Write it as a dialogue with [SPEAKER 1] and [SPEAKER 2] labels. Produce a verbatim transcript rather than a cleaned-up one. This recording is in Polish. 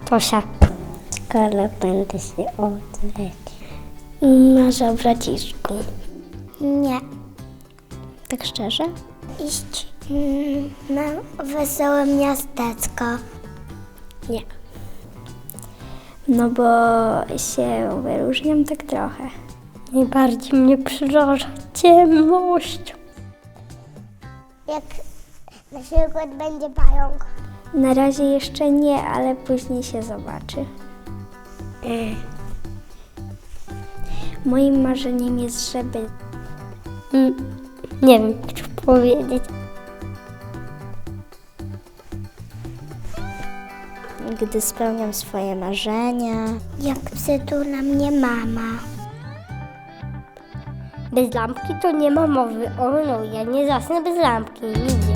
[SPEAKER 1] Tosia.
[SPEAKER 2] W szkole będę się uczyć.
[SPEAKER 1] Marzę o braciszku.
[SPEAKER 2] Nie.
[SPEAKER 1] Tak szczerze?
[SPEAKER 2] Iść mm, na wesołe miasteczko.
[SPEAKER 1] Nie. No bo się wyróżniam tak trochę. Najbardziej mnie przeraża ciemność.
[SPEAKER 2] Jak na przykład będzie pająk.
[SPEAKER 1] Na razie jeszcze nie, ale później się zobaczy. Moim marzeniem jest, żeby... Mm, nie wiem, co powiedzieć. Gdy spełniam swoje marzenia.
[SPEAKER 2] Jak przytula mnie mama.
[SPEAKER 1] Bez lampki to nie ma mowy. O no, ja nie zasnę bez lampki. Nigdy.